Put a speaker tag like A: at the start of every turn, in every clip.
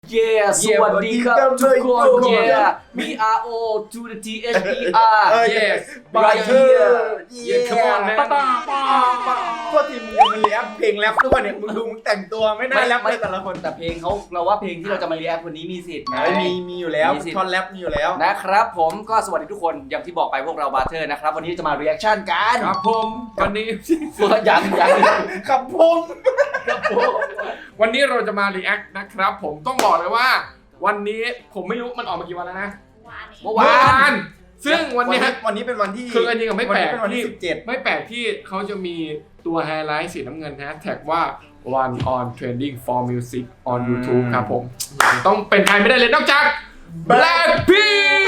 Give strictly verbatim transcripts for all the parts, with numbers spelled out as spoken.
A: Yeah สวัสดีครับทุกคน Yeah B R O to the T H E R
B: Yes
A: right here
B: Yeah come on man
C: โทษทีมึงยังมันแรปเพลงแรปด้วยเนี่ยมึงดูมึงแต่งตัวไม่น่าแรปเลยแต่ละคน
A: แต่เพลงเขาเราว่าเพลงที่เราจะมาเรียกวันนี้มีสิทธิ์ไง
C: มีมีอยู่แล้ว
A: มีสิทธิ์
C: ท่อนแรปมีอยู่แล้ว
A: นะครับผมก็สวัสดีทุกคนอย่างที่บอกไปพวกเราบาร์เทอร์นะครับวันนี้จะมา reaction กัน
B: ครับผมวันนี้
A: ยังยัง
C: ครับผม
B: วันนี้เราจะมา react นะครับผมต้องบอกเลยว่า วันนี้ผมไม่รู้มันออกมากี่วันแล้วนะ
A: เมื่อ
B: เมื่อ
A: วาน
B: วานซึ่งวันนี้
C: วันนี้เป็นวันที่
B: คืออันนี้ก็ไม่แปลก
C: วันนี้เป็นวันที่สิบเจ็ด
B: ไม่แปลกที่เขาจะมีตัวไฮไลท์สีน้ำเงินแฮชแท็กว่า one on trending for music on YouTube ครับผม ต้องเป็นใครไม่ได้เลยนอกจาก Blackpink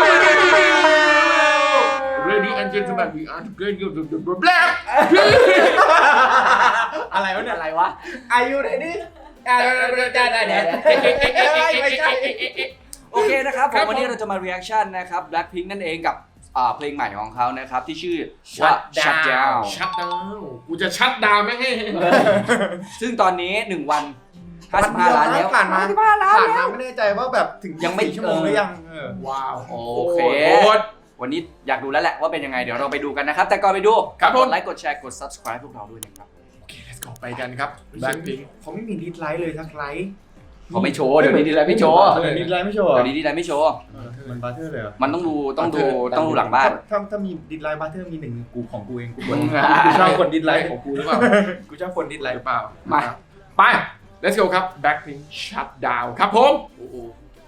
B: Ladies and gentlemen we are together with Blackpink
C: อะไรวะเนี่ย
A: อะไรวะ
C: อายุไหนนี่อ่าได้ได้ได้ไม่ใช่
A: โอเคนะครับผ
B: ครั
A: ม
B: บ
A: วันนี้เราจะมา reaction นะครับ Blackpink นั่นเองกับอ่าเพลงใหม่ของเขานะครับที่ชื่อว่า Shut Down
B: ชัดดาวกูจะชัดดาวไม่ให้
A: ซึ่งตอนนี้หนึ่งวันห้าสิบห้าล้านแล้ว
C: ผ่านมา
A: ห้าสิบห้าล้าน
C: ผ่าน
A: แล้
C: มาว ไม่แน่ใจว่าแบบถึง
A: ยังไม่
C: สี่ชั่วโมงหรือยังเออ
B: ว้าว
A: โอเค
B: โคตร
A: วันนี้อยากดูแล้วแหละว่าเป็นยังไงเดี๋ยวเราไปดูกันนะครับแต่ก่อนไปดู
B: ครับผม
A: กดไลค์กดแชร์กด subscribe พวกเราด้วยนะครับ
B: โอเค let's go ไปกันครับ Blackpink
C: เขาไม่มีดิสไลค์เลยสักไลค์
A: เขาไม่โชว์เดี๋ยวนี้ดีไลน์ไม่โชว์
C: เออดิสไลค์ไม่โชว์เหรอ
A: เดี๋ยวนี้ดีไลน์ไม่โชว์
C: เออมันบาร์เทอร์เลยเหรอ
A: มันต้องดูต้องดูต้องดูหลังบ้าน
C: ถ้าถ้ามีดิสไลค์บาร์เทอร์มีหนึ่งกูของกูเองกูกด
A: อืม
C: กูชอบคนดิสไลค์
B: ของกูหรือเปล่า
C: กูชอบคนดิสไล
B: ห
C: ค์
B: รือเปล่า
A: มา
B: ไป let's go ครับ Blackpink shut down ครับผม
A: โอ้โห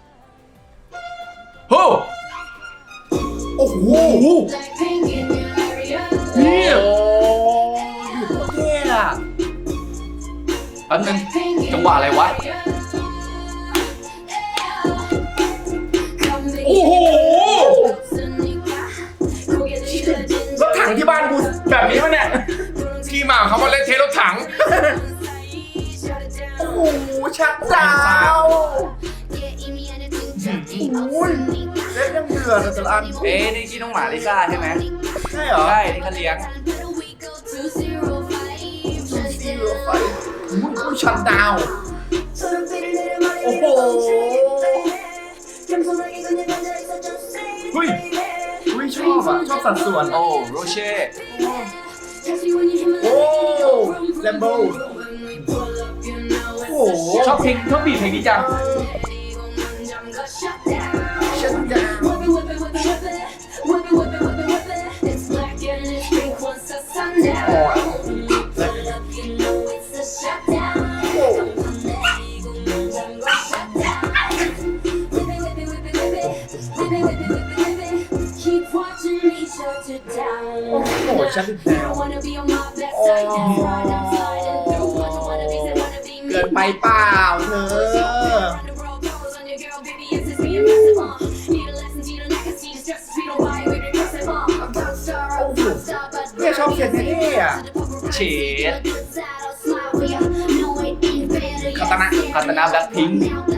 B: โอ้
C: โอ้โห
B: เนี่ย
C: เท่อะ
A: แป๊บนึงจังหวะอะไรวะ
B: โอ้โห
C: รถถังที่บ้านกูแบบนี้ปะเนี่ย
B: ที่มาของเขาว่าเล่นเทรถถัง
C: โอ้โหชัดดาวโอ้ยเล่นยังเดือดแต่ละอัน
A: เอ๊ะนี่ที่น้องหมาลิซ่าใช่ไหม
C: ใช่เหรอ
A: ใช่ที่เขาเลี้ยง
C: ซีโร่ไฟอุ้ยชัดดาวโอ้โหเฮ้ยอุ้ยชอบอ่ะชอบสัดส่วน
A: โอ้โรเช่
C: โอ้แลมโบโอ้โห
A: ชอบเพลงชอบบีทเพลงนี้จัง
C: ชัดดาวโอ้โหชัดดาวเกินไปเปล่าเธอเนี่ยชอบเสียงเท่ๆอ่ะ
A: เฉด
C: คาตานะ
A: คาตานาแบล็คพิงค์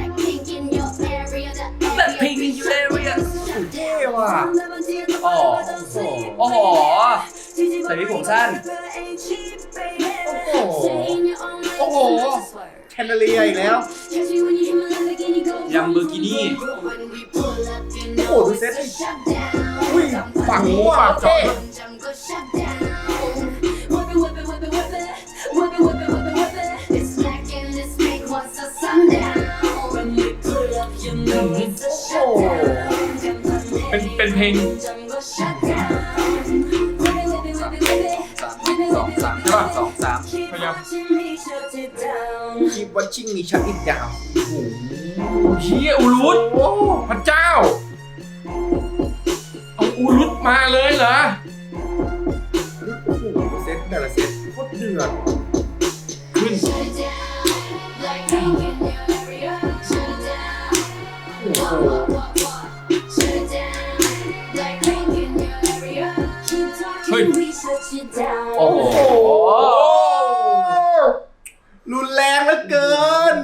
A: แบล็คพิงค์ในยูเอเรีย
C: เท่ว่ะ
A: อ๋อโอ้โหใส่วิกผมสั้น
C: โอ้โหโอ้โหแคนเดเลียอีกแล้ว
A: ยังเบอร์กินี่
C: โอ้โหดูเซ็ตดิอุ้ยฝังหัวเท่โอ้โห
B: เป็นเป็นเพลง
A: สองสามสองสาม
B: พยายาม
C: คีบวัชชิ่งมีชัดอีกดาวโอ้โห
B: เฮียอูรุต
C: โอ้โห
B: พระเจ้า เอาอูรุตมาเลยเหรอ
C: โอ้โหเซ็ตแต่ละเซ็ตโคตรเดือด
B: ขึ้น
C: โอ้โห
B: เฮ้ย
A: โอ้โห
C: รุนแรงเหลือเกิน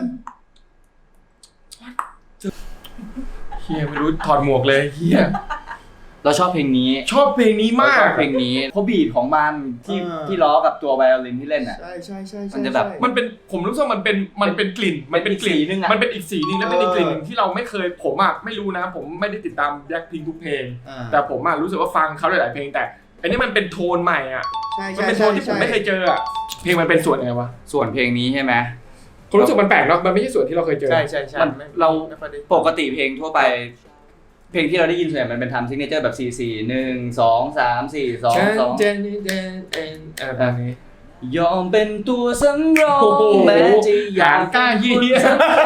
B: เฮียไม่รู้ถอดหมวกเลยเฮีย
A: เราชอบเพลงนี้
B: ชอบเพลงนี้
A: เรา
B: มา
A: ช
B: ก
A: อบเพลงนี้เพราะบีทของมันที่
C: เออ
A: ที่ล้อกับตัวไวโอลินที่เล่นอ่ะ
C: ใช่ใช่ใช่
A: มันจะแบบ
B: มันเป็นผมรู้สึกว่ามันเป็นมันเป็นกลิ่นมันเป็นกลิ่น
A: เป็นอีกสีนึงอะ
B: มันเป็นอีกสีนึงแล้วเป็นอีกกลิ่นหนึ่งที่เราไม่เคยผมอ่ะไม่รู้นะผมไม่ได้ติดตามแบล็คพิงค์ทุกเพลง
C: อ่า
B: แต่ผมอ่ะรู้สึกว่าฟังเขาหลายๆเพลงแต่อันนี้มันเป็นโทนใหม่อ่ะ
C: ใช่
B: มัน
C: ใช่
B: เป็นโทนที่ผมไม่เคยเจออ่ะเพลงมันเป็นส่วนยังไงวะ
A: ส่วนเพลงนี้ใช่ไหม
B: ผมรู้สึกมันแปลกเนาะมันไม่ใช่ส่วนที่เราเคยเจอ
C: ใช่ใช่ใช่
A: มัน
C: ไม่
A: เรา
C: ไม่ค่อยได้
A: ปกติเพลงทั่วไป เพลงที่เราได้ยินส่วนใหญ่มันเป็นทำซิกเนเจอร์แบบสี่สี่หนึ่งสองสามสี่สองสอง
B: เจนนี่เจนเอ็นอะไรแบบนี้
A: ยอมเป็นตัวสำรอง
B: โอ้โห
A: แม้จะอยาก
B: หางกล้าเหี้ย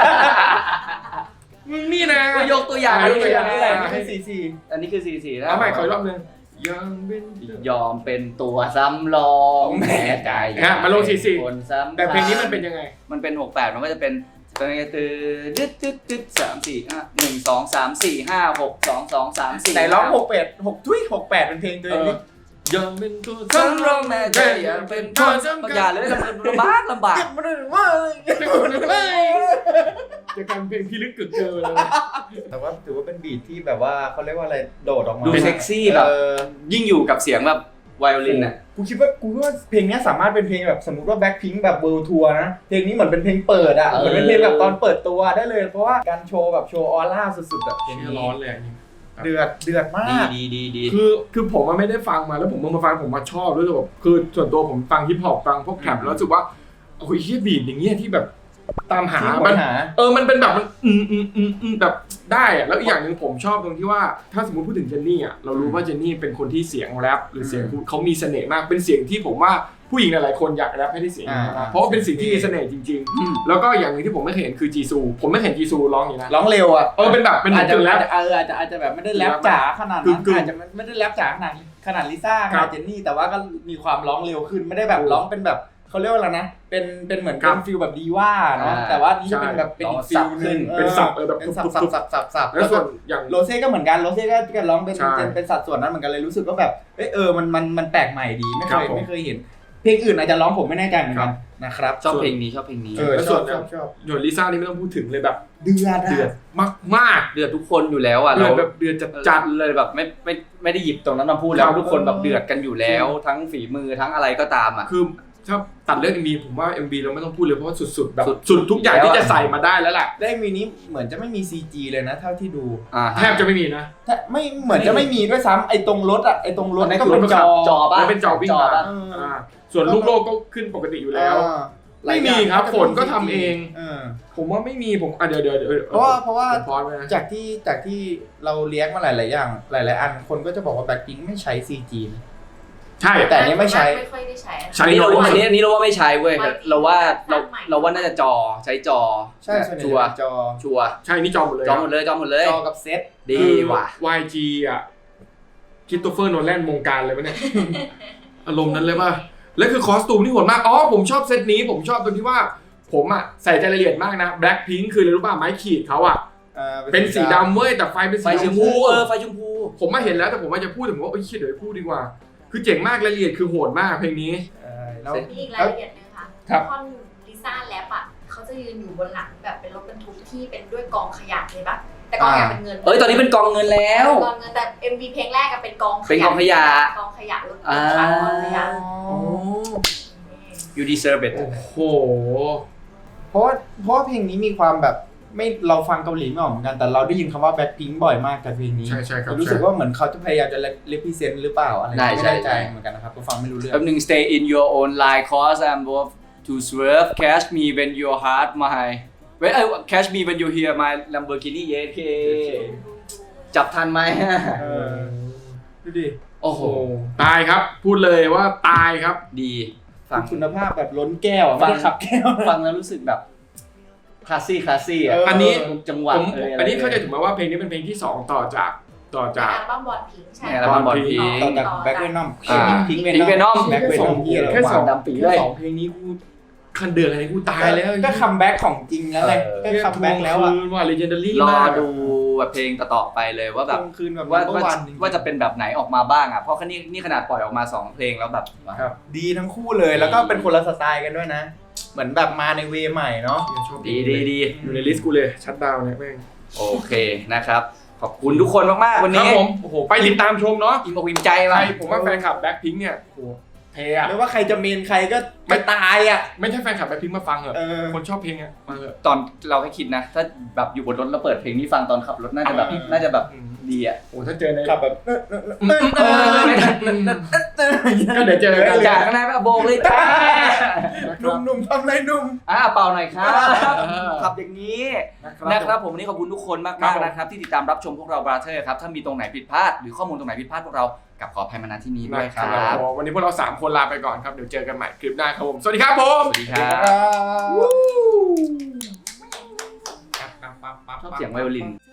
B: มึงนี่นะ
A: ก็ยกตัวอย่าง
B: ยกตัวอย่าง
A: นี่แหละ
C: ไม่ใช่สี่สี่
A: อันนี้คือสี่สี่นะ
B: เอาใหม่ขออีกรอบนึงยังเป็น
A: ยอมเป็นตัวสำรองแม้ใจอยก
B: ฮะมาลงสี่สี่
A: คนสำคัญ
B: แต่เพลงนี้มันเป็นยังไง
A: มันเป็นหกแปดมันก็จะเป็นเป็นไงตืดดึ๊ดดึ๊ดดึ๊ดสามสี่ห้าหนึ่งสองสามสี่ห้าหกสองสองสามสี่
C: ไหนร้องหกแปดหกทุยหกแปดเป็นเพลงตัวเองดิ
B: ยังเป็นตัว
A: สำรองแม่ใจอยากเป็นคนสำคัญอย่าเลยลำบากลำบาก
C: เก็บมาเลยว่า
B: จะกลายเป็นเพลงที่ลึกกึกเกินเลย
C: แต่ว่าถือว่าเป็นบีทที่แบบว่าเขาเรียกว่าอะไรโดดออกมา
A: ดูเซ็กซี่แบบ
C: เออ
A: ยิ่งอยู่กับเสียงแบบไวโอลินน่ะ
C: กูคิดว่ากูคิดว่าเพลงนี้สามารถเป็นเพลงแบบสมมติว่าแบ็คพิงค์แบบเวิลด์ทัวร์นะเพลงนี้เหมือนเป็นเพลงเปิดอ่ะ
A: เออ
C: เหมือนเป็นเพลงแบบตอนเปิดตัวได้เลยเพราะว่าการโชว์แบบโชว์ออร่าสุดๆอ่ะ
B: เพลงนี้ร้อนเลยอันนี้
C: เดือดเดือดมา
A: ดี
C: ก
A: ดีดีดี
B: คือคือผมมันไม่ได้ฟังมาแล้วผมมาฟังผมมาชอบด้วยแบบคือส่วนตัวผมฟังฮิปฮอปฟังพวกแทร็ปแล้วรู้สึกว่าโอ้ยเฮียบีทอย่างเงี้ยที่แบบตามหา
C: ที่
B: มัน
C: หา
B: เออมันเป็นแบบมันอืมอืมอืมอืมแบบได้อะแล้วอีกอย่างหนึ่งผมชอบตรงที่ว่าถ้าสมมติพูดถึงเจนนี่อ่ะเรารู้ว่าเจนนี่เป็นคนที่เสียงแรปหรือเสียงพูดเขามีเสน่ห์มากเป็นเสียงที่ผมว่าผู้หญิงหลายๆคนอยากแรปให้ได้เสียงนี้นะเพราะว่าเป็นสิ่งที่มีเสน่ห์จริง
A: อืม
B: ๆ แล้วก็อย่างหนึ่งที่ผมไม่เคยเห็นคือจีซูผมไม่เห็นจีซูร้องอย่างนี้นะ
C: ร้องเร็วอ่ะ
B: เออเป็นแบบเป็น
C: อาจจะ
B: กึ่งแรป
C: เอออาจจะอาจจะแบบไม่ได้แรปจ๋าขนาดนั้น
B: กึ่งๆ
C: อาจจะไม่ได้แรปจ๋าขนาดขนาดลิซ่าข
B: ครั
C: นาด
B: บ
C: เจนนี่แต่ว่าก็มีความร้องเร็วขึ้นไม่ได้แบบร้องเป็นแบบเขาเรียกว่าอะไรนะเป็นเป็นเหมือน
B: ครั
C: เป็
B: บ
C: นฟิลแบบดีว่าเนาะ
A: อ่า
C: แต่ว่านี้จะเป็น
B: ใช่
C: แบบเป็นอีกฟิลนึง
B: เป็นสับเออแบบ
C: เป็นสับ
B: ปุ๊
C: สับบ สับสับสับสับ
B: แล้วส่วนอย่าง
C: โรเซ่ก็เหมือนกันโรเซ่ก็ก็ร้องเป็น
B: ใช่
C: เป็นเป็นสัดส่วนนั้นเหมือนกันเลยรู้สึกว่าแบบเอยเออมันมันมันแปลกใหม่ดีไม่
B: ค
C: เค
B: รับ
C: ย
B: ผม
C: ไม่เคยเห็น เพลงอื่นอาจจะร้องผมไม่แน่ใจเหมือน
B: ครั
C: กัน
B: บ
C: นะครับ
A: ชอบเพลงนี้ชอบเพลงนี้
C: เออ
B: แล้ว
C: ช
B: ส่
C: อ
B: ว
C: บ
B: น
C: ชอบชอบ
B: หยวนลิซ่านี่ไม่ต้องพูดถึงเลยแบบ
C: เดือด
B: เดือดมากมาก
A: เดือดทุกคนอยู่แล้วอ่ะ
B: ๆเดือ
A: เรา
B: ดแบบเดือดจัด
A: จั
B: จั
A: ด
B: ด
A: เลยแบบไม่ไม่ไม่ได้หยิบตรงนั้นมาพูดแล้
B: ครั
A: ว
B: บ
A: ทุกคนแบบเดือดกันอยู่แล้ว ทั้งฝีมือทั้งอะไรก็ตามอ่ะ
B: คือถ้าตัดเรื่อง เอ็ม วี ผมว่า เอ็ม วี เราไม่ต้องพูดเลยเพราะว่าสุดๆแบบ
A: สุด
B: สุดทุกอย่าง
A: แล้ว
B: ที่
A: อะ
B: จะใส่มาได้แล้วแหละ
C: ได้มีนี้เหมือนจะไม่มี ซี จี เลยนะเท่าที่ดู
A: อ่า
B: แทบจะไม่มีนะ
C: ถ้าไม่เหมือนจะไม่มีด้วยซ้ำไอ้ตรงรถอะไอ้ตรงรถ
A: อันนั้น
C: ก็
A: คือ
C: เป็นจอ
A: จอป่ะ
B: แล้วเป็นจอวิ่งมา
A: ป่ะ
C: เออ
B: อ่าส่วนลูกโลกก็ขึ้นปกติอยู่แล้ว
C: อ่า
B: ไม่มีครับฝนก็ทำเอง
C: เออ
B: ผมว่าไม่มีผมอ่ะเดี๋ยวเดี๋ยวเดี๋ยว
C: เพราะว่าเพราะว่า
B: ผมพอดไว้นะ
C: จากที่จากที่เราเลี้ยงมาหลาย ๆ อย่าง หลาย ๆ อันคนก็จะบอกว่าแบ็คพิงไม่ใช้ ซี จี นะ
B: ใช่
C: แต่อันนี้ไม่ใช้
D: ไม่ค่อยได้ใช้
B: ใช้
A: อันนี้เรา
B: น้อย
A: ว่าอันนี้อันนี้เราว่าไม่ใช้เว้ย
D: ไม่
A: เราว่าเรา
D: ใหม่
A: เราว่าน่าจะจอใช้จอ
C: ใช่ส่วนใหญ่
A: ชัวร์
C: เป็นจอ
A: ชัวร์
B: ใช่นี่จอหมดเลย
A: จอหมดเลยจอหมดเลย
C: จอกับเซต
A: ดีว่ะ
B: คือ วาย จี อ่ะคริสโตเฟอร์โนแลนวงการเลยปะเนี่ย อารมณ์นั้นเลยป่ะแล้วคือคอสตูมที่โหดมากอ๋อผมชอบเซตนี้ผมชอบตรงที่ว่าผมอ่ะใส่ใจรายละเอียดมากนะแบล็คพิงค์คืออะไรรู้ป่ะไม้ขีดเขาอ่ะ
C: อ่า
B: เป็นสีดำเว้ยแต่ไฟเป็น
A: ไฟ
B: สี
A: ช
B: ช
A: ม
B: ม
A: พู
B: พู
A: เออไฟชมพู
B: ผมมาเห็นแล้วแต่ผมว่าจะพูดแต่ผมว่าโอ้ยเชี่ยเดี๋ยวพูดดีกว่า คือเจ๋งมากรายละเอียดคือโหดมากเพลงนี้
C: เออแล้ว
D: มีอีกรายละเอียดหนึงค่ะ
B: ครับ
D: ท่อนลิซ่าแรปอ่ะเขาจะยืนอยู่บนหลังแบบเป็นรถบรรทุกที่เป็นด้วยกองขยะเลยปะแต่กองขยะเป็นเงิน
A: เอ้ยตอนนี้เป็นกองเงินแล้ว
D: กองเงินแต่ เอ็ม วี เพลงแรกก็เป็นกองขยะ
A: เป็นกองขยะ
D: กองขยะรถ
A: อ่า
D: ขายกองขยะ
A: you deserve it
B: โอ้โห
C: เพราะว่าเพราะว่าเพลงนี้มีความแบบไม่เราฟังเกาหลีไม่ออกเหมือนกันแต่เราได้ยินคำว่าแบ็คพิงบ่อยมากกับเพลงนี้
B: ใช่ใช่ครับ
C: รู้สึกว่าเหมือนเขาจะพยายามจะ represent หรือเปล่าอะไร
A: ได้
C: ไม่
A: ใช่
C: แน่ใจ
A: ใช่
C: เหมือนกันนะครับก็ฟังไม่รู้เรื่อง
A: แป๊บนึง stay in your own line cause I'm worth to swerve catch me when your heart my when I catch me when you hear my Lamborghini yeah okay จับทันไหม
C: เออดูดิ
A: โอ้โห
B: โอ้ตายครับ พูดเลยว่าตายครับ
A: ดีฟัง
C: คุณภาพแบบล้นแก้วอะ
A: ฟั
C: ไม่
A: ง
C: ได้ขับแก้ว
A: ฟังแล้วรู้สึกแบบคลาสซี่คลาสซี่อ่ะ
C: เอออั
B: อันนี้
A: จังหวะ
B: ผม
A: เย
B: อันนี้
A: ะไร
B: เข้าใจถูกไหมว่าเพลงนี้เป็นเพลงที่สองต่อจากต่อ
D: ใน
B: จาก
D: อัลบั้มบอลพิงค์ใช่
A: ในอัลบั้มบอลพิง
C: ต่อจากแบ็คเวนอม
A: อ่า
C: พิง
A: Pink Venom
C: แบ็คเวนอมที่อะไร
B: แค่สอง
A: ดำปี
B: แค่
A: เลย
B: สองเพลงนี้กูคันเดือดอะไรกูตายแล้ว
C: ก็คัมแบ็คของจริงแล้วไง
A: เออ
C: ก็คัมแบ็คแล้วอะ
B: คืนว่า legendary
A: รอ
B: มาก
A: ดูแบบเพลงต่อๆไปเลยว่าแบบ
C: คืนแบบ
A: ว่า
C: ว่า
A: ว่า
C: วัน
A: ว่าจะเป็นแบบไหนออกมาบ้างอ่ะเพราะนี่นี่ขนาดปล่อยออกมาสองเพลงแล้วแบบ
B: ครับ
C: ดีทั้งคู่เลยแล้วก็เป็นคนละสไตล์กันด้วยนะ เหมือนแบบมาในเวย์ใหม่เนาะ
B: ชอบ
A: ดีดีดี
B: อยู่ในลิสต์กูเลยชัดดาวน์เนี่ยแม่ง
A: โอเคนะครับขอบคุณทุกคนมากๆวัน
B: ครับ
A: นี้
B: ผมโอ้โหไปติดตามชมเนาะ
A: อิ่มอกอิ่มใจ
B: ใคร
A: มา
B: ผมว่าแฟนคลับแบ็คพิงค์เนี่ยโอ้โหเทอะ
C: ไม่ว่าใครจะเมนใครก็ไม่ตายอ่ะ
B: ไม่ใช่แฟนคลับแบ็คพิงค์มาฟังเหรอ
C: เออ
B: คนชอบเพลงอะมาเหอะ
A: ตอนเราให้คิดนะ ถ้าแบบอยู่บนรถแล้วเปิดเพลงนี้ฟังตอนขับรถน่าจะแบบ
B: อืม
A: น่าจะแบบ
B: อืม
A: ดีอ่ะ
B: โอ้ถ้าเจอใน
C: ขับแบบ
B: ก็เดี๋ยวเจอกัน
A: จากข้างในแบบโบกเลยจ้า
C: หนุ่มๆทำไรหนุ่ม
A: อ่าเป่าหน่อยครับ
B: เออ
A: ขับอย่างนี้
B: นะ
A: นะครับ ผมวันนี้ขอบคุณทุกคนมาก
B: ครั
A: มา
B: บ
A: ก
B: ผม
A: ๆนะครับที่ติดตามรับชมพวกเราบราเธอร์ครับถ้ามีตรงไหนผิดพลาดหรือข้อมูลตรงไหนผิดพลาดพวกเรากับขออภัยมาณที่นี้ด้วยค
B: นะ
A: รับ
B: ผมวันนี้พวกเราสามคนลาไปก่อนครับเดี๋ยวเจอกันใหม่คลิปหน้าครับผมสวัสดีครับผม
A: สวัสดีครับ
C: ครับ
A: ชอบเสียงไวโอลิน